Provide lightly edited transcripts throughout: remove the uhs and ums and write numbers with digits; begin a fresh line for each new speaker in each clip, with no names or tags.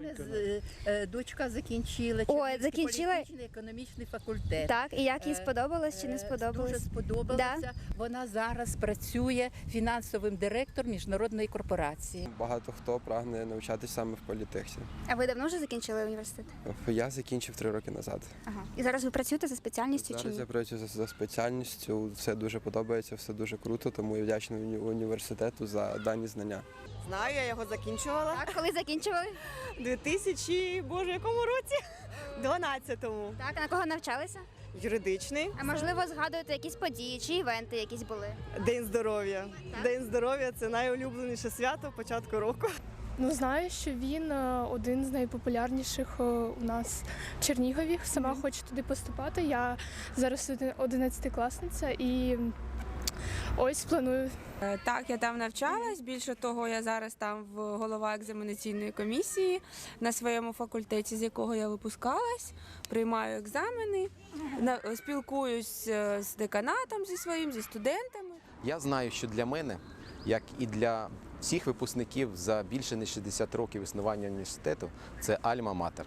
мене дочка закінчила
закінчила?
політичний економічний факультет.
Так, і як їй сподобалось чи не сподобалось?
Дуже сподобалося.
Да?
Вона зараз працює фінансовим директором міжнародної корпорації.
Багато хто прагне навчатися саме в політехні.
А ви давно вже закінчили університет?
Я закінчив 3 роки назад.
Ага. І зараз ви працюєте за спеціальністю чи
Зараз
ні?
я працюю за спеціальністю, все дуже подобається, все дуже круто, тому я вдячний університету за дані знання.
Знаю, я його закінчувала.
Так, коли закінчували?
У 2000, якому році? 12-му.
Так, на кого навчалися?
Юридичний.
А можливо, згадуєте якісь події чи івенти якісь були?
День здоров'я.
Так.
День здоров'я – це найулюбленіше свято початку року.
Ну, знаю, що він один з найпопулярніших у нас в Чернігові. Сама хочу туди поступати. Я зараз 11-класниця і ось планую.
Так, я там навчалась. Більше того, я зараз там голова екзаменаційної комісії на своєму факультеті, з якого я випускалась, приймаю екзамени, спілкуюсь з деканатом зі студентами.
Я знаю, що для мене, як і для всіх випускників за більше ніж 60 років існування університету, це альма-матер.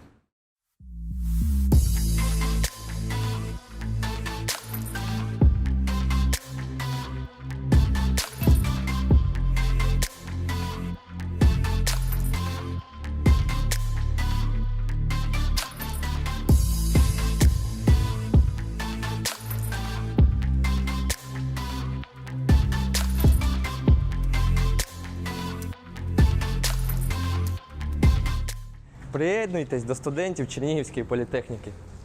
Приєднуйтесь до студентів Чернігівської політехніки.